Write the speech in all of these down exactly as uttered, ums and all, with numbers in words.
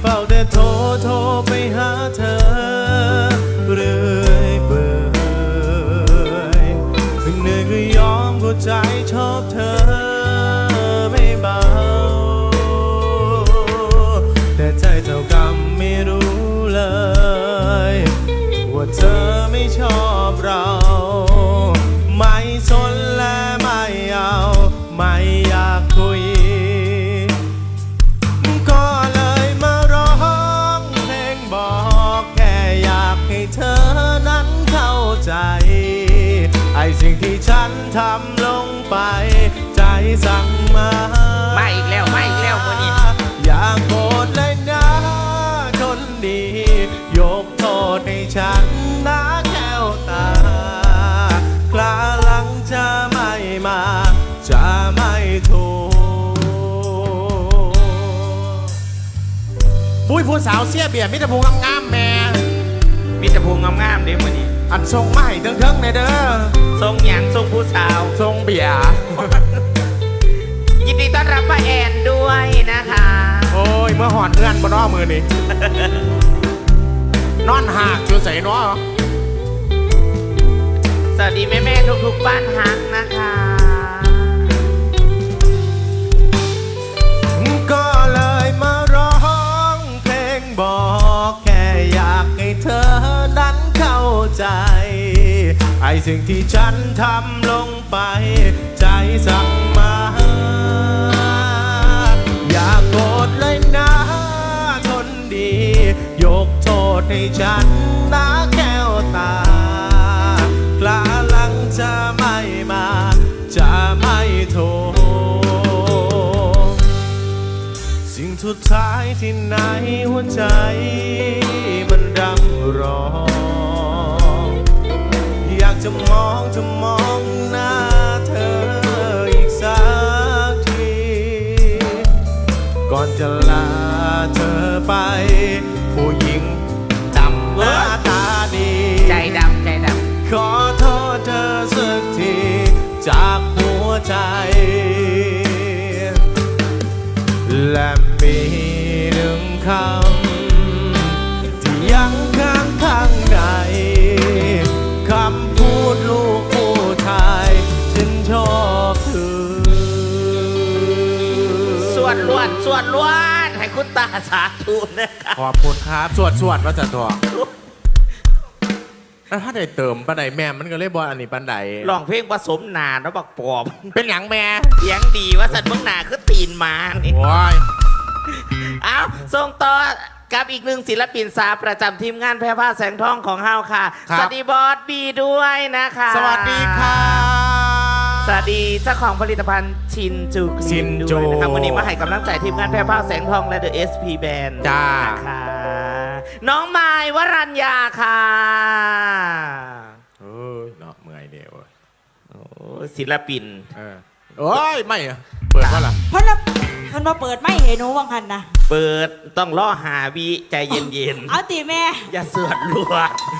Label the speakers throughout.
Speaker 1: ฝ้าแต่โทรโทรไปหาเธอเรื่อยเปื่อยเหนื่อยก็ยอมก็ใจชอบเธอไม่เบาแต่ใจเท่ากรรมไม่รู้เลยว่าเธอไม่ชอบเราไม่สนและไม่เอาไม่อยากคุยก็เลยมาร้องเพลงบอกแค่อยากให้เธอนั้นเข้าใจไอ้สิ่งที่ฉันทำลงไปใจสั่งมา
Speaker 2: มาอีกแล้วมาอีกแล้ววันนี้
Speaker 1: อยากโกรธเลยนะคนดียกโทษให้ฉันนะแก้วตาคลาหลังจะไม่มาจะไม่ถูกปุ้ยผู้สาวเสียเบียร์มิตรภูงงามๆแม่
Speaker 2: มีแต่พวงงามๆเด้วันนี้
Speaker 1: อันทรงไม่เทิงๆในเด้อ
Speaker 2: ทรงหยางทรงผู้สาว
Speaker 1: ทรงเบียร์
Speaker 2: ยินดีต้อนรับป้าแอนด้วยนะคะ
Speaker 1: โอ้ยเมื่อหอนเพื่อนบนอ้อมือนี่ นอนหักจูใส่เนาะ
Speaker 2: สวัสดีแม่แม่ทุกๆบ้านฮักนะคะ
Speaker 1: ก็เลยมาร้องเพลงบอกแค่อยากให้เธอนั้นเข้าใจไอ้สิ่งที่ฉันทำลงไปใจสั่งมาอย่าโกรธเลยนะคนดียกโทษให้ฉันนะแก้วตากลาหลังจะไม่มาจะไม่โทษสิ่งสุดท้ายที่ไหนหัวใจมันรำร้องอยากจะมองจะมองหน้าเธออีกสักทีก่อนจะลาเธอไปผู้หญิงดำหน้าตาดี
Speaker 2: ใจดำใจด
Speaker 1: ำขอโทษเธอสักทีจากหัวใจและมีหนึ่งคำที่ยังค้างข้างในคำพูดลูกผู้ชายฉันชอบเธอ
Speaker 2: สวดล้วนสวดล้วนให้คุณตาสาธุนะคะ
Speaker 1: ขอบคุณครับสวดสวดว่าจะตัวแล้วถ้าได้เติมปันไดแม่มันก็เลยบอลอันนี้ปันได
Speaker 2: ลองเพลงผสมนาแล้วบักปอบ
Speaker 1: เป็นหยังแม่
Speaker 2: เสียงดีว่าสัตว์เมืองนาคือตีนมานี่
Speaker 1: โอ้ย
Speaker 2: เอาส่งต่อกับอีกหนึ่งศิลปินสาวประจำทีมงานแพร่ผ้าแสงทองของเฮาค่ะสวัสดีบอสบีด้วยนะคะ
Speaker 1: สวัสดีค่ะ
Speaker 2: สวัสดีเจ้าของผลิตภัณฑ์ชินจู
Speaker 1: ชินจู
Speaker 2: นะครับวันนี้มาให้กำลังใจทีมงานแพร่ผ้าแสงทองและ The เอส พี Band
Speaker 1: จ้า
Speaker 2: ค่ะน้องไม้วรัญญาค่ะ
Speaker 1: เอ้ยเนาะเมื่อยเดียว
Speaker 2: โอ้ศิลปิน
Speaker 1: เออโอ้ยไม่อะเปิดว่าล่ะ
Speaker 3: เพราะว่ามันมาเปิดไม่เห็นหนูวังหันนะ
Speaker 2: เปิดต้องล่อหาวิใจเย็น
Speaker 3: ๆเอาตีแม่
Speaker 2: อย่าเสือดรัว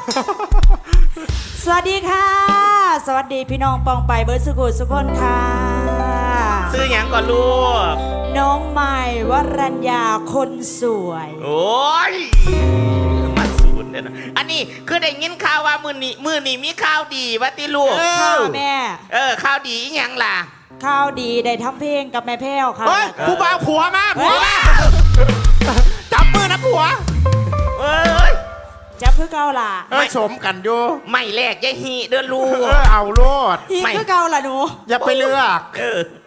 Speaker 3: สวัสดีค่ะสวัสดีพี่น้องปองไปเบิร์ดสุขุสุขคนค่ะ
Speaker 2: ซื้ออย่างก่อนลูก
Speaker 3: น้องใหม่วรัญญาคนสวย
Speaker 2: โอ้ยมาสูนเนี่ยนะอันนี้คือได้ยินข่าวว่ามือนี้มือนี้มีข่าวดีวะติลูก
Speaker 3: ค่ะแม่
Speaker 2: เออข่าวดีอย่างล่ะ
Speaker 3: ข่าวดีได้ทำเพลงกับแม่แพ้วค่ะ
Speaker 1: เฮ้ยผู้บ่าวผัวมาผัวมาจับมือนะผัว
Speaker 2: เอ้ย
Speaker 3: จับเพื่อเกาล่ะ
Speaker 1: ไม่สมกันอยู่
Speaker 2: ไม่แลกยายฮีเดินลูก
Speaker 1: เอาโลด
Speaker 3: ฮีเพื่อเกาล่ะหนู
Speaker 1: อย่าไปเลือก
Speaker 2: เออ